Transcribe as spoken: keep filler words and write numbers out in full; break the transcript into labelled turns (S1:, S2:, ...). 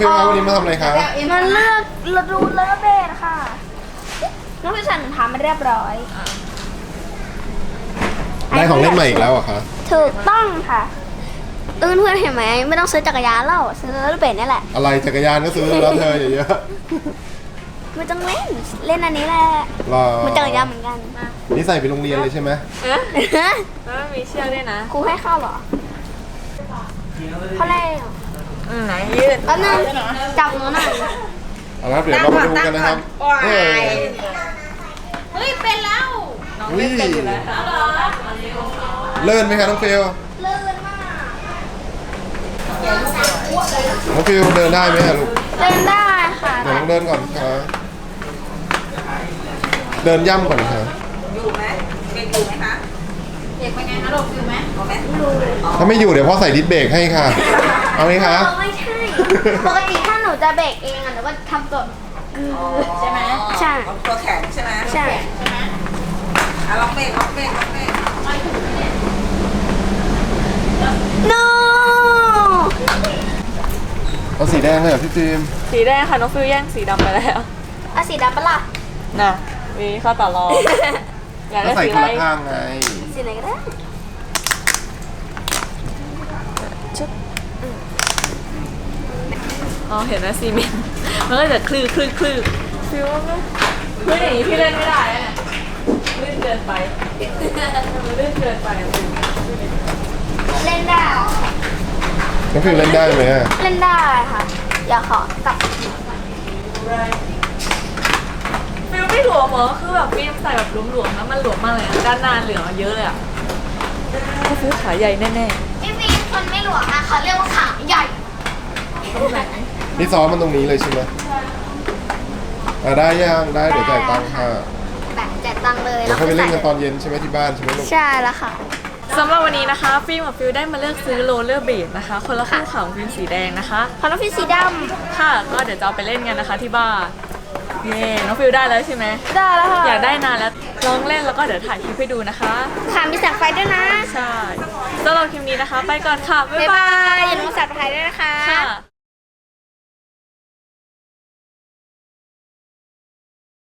S1: ฟิวครับวันนี้มาทำอะไรคะ
S2: มันเลือกฤดูเลอเบสค่ะน้องพี่สันทำมาเรียบร้อย
S1: ได้ของเล่นใหม่อีกแล้วเหรอคะ
S2: ถูกต้องค่ะเออเพื่อนเห็นไหมไม่ต้องซื้อจักรยานแล้วซื้อเลอเบสนี่แหละ
S1: อะไรจักรยานก็ซื้อแล้วเธออย่าเยอะ
S2: ไม่ต้องเล่นเล่นอันนี้แหละ
S1: รอ
S2: มันจักรยานเหมือนกัน
S1: นี่ใส่ไปโรงเรียนเลยใช่ไหม
S3: เอ๊ะแล้วมีเชือกด้วยนะ
S2: ครูให้เข้าเหรอเขาเล่น
S3: อืมไหนยืด
S2: แป๊บนึงจับหนูหน่อย
S1: เอาละครับเดี๋ยวเรามาดูกันนะครับเฮ้ย
S3: เฮ้ยเป็นแล้วน้อง
S1: อุ้
S3: เล่
S1: ย
S3: นเป็นอยู่แล้ว
S1: เลื่อนไหมคะน้องฟิว
S2: เลื่อนมาก
S1: น้องฟิวเดินได้ไหมอะลูก
S2: เล่นได้ค่ะ
S1: เดี๋ยวต้องเดินก่อนค่ะเดินย่ำก่อนค่ะ
S3: อยู่ไหมเด็กอยู่ไหมคะเด็กเป็นไงคะลูกอยู่ไหมอยู่ไหม
S1: ถ้าไม่อยู่เดี๋ยวพ่อใส่ดิสเบรกให้ค่ะ เอาไหมคะ
S2: ไม่ใช่ปกติถ้าหนูจะเบรกเองอ่ะหนูก็ทำตัวใช่ไหมใช่
S3: ตัวแข็งใช่ไหม
S2: ใช่
S3: อ่ะลองเบรกลองเบรกลองเบรก
S2: no
S1: เอาสีแดงเลยเหรอพี่ฟิล์ม
S3: สีแดงค่ะน้องฟิวแย่งสีดำไปแล้ว
S2: เอาสีดำปะล่ะ
S3: น่ะมีข้อต่อรองอยาก
S1: ก็
S3: ได้
S1: ใส่
S3: สี
S1: คน
S3: อะไร
S1: ละข้างไง
S2: สีไหนก็ได้
S3: อ๋อเห็นไหมซีเมนต์มันก็จะคลือคลือคลือฟิวว่าคลืออย่างนี้พี่เล่นไม่ได้นะลื่นเกินไปมันลื่นเกินไป
S2: เล่นได้เหรอ
S1: น้องฟิล์มเล่นได้ไหมอะ
S2: เล่นได้ค่ะอย่าขอกลับ
S3: ฟิวไม่หลวมเหรอคือแบบฟิล์มใส่แบบหลวมๆแล้วมันหลวมมากเลยอะด้านหน้าเหลืองเยอะเลยอะฟิวขาใหญ่แน่
S2: พี่ฟิล์มคนไม่หลวมนะเขาเรียกว่าขาใหญ่
S3: ๆตรงไหน
S1: นี่ซ้อมมันตรงนี้เลยใช่ไหมอ่ะได้ยังได้เดี๋ยวจ่ายตังค่ะ
S2: แบบจ่ายตังค์เลย
S1: เดี๋ยวค่อยไปเล่นกันตอนเย็นใช่ไหมที่บ้านใช่ไหมลูก
S2: ใช่แล้วค่ะ
S3: สำหรับวันนี้นะคะฟิล์มกับฟิวได้มาเลือกซื้อโรลเลอร์เบดนะคะคนละข้างของฟิล์มสีแดงนะคะ
S2: พอน้องฟิล์มสีด
S3: ค่ะก็เดี๋ยวจะเอาไปเล่นกันนะคะที่บ้านเย่น้องฟิวได้แล้วใช่ไหม
S2: ำได้แล้วค่ะ
S3: อยากได้นานแล้วลองเล่นแล้วก็เดี๋ยวถ่ายคลิปให้ดูนะคะ
S2: ค่ะมีแสงไฟด้วยนะ
S3: ใช่สำหรับคลิปนี้นะคะ ไปก่อนค่ะ บ๊าย
S2: บ๊าย
S3: บา
S2: บาย
S3: ย
S2: อย่าลืมสับสไครต์ด้วยนะคะ
S3: ค่ะ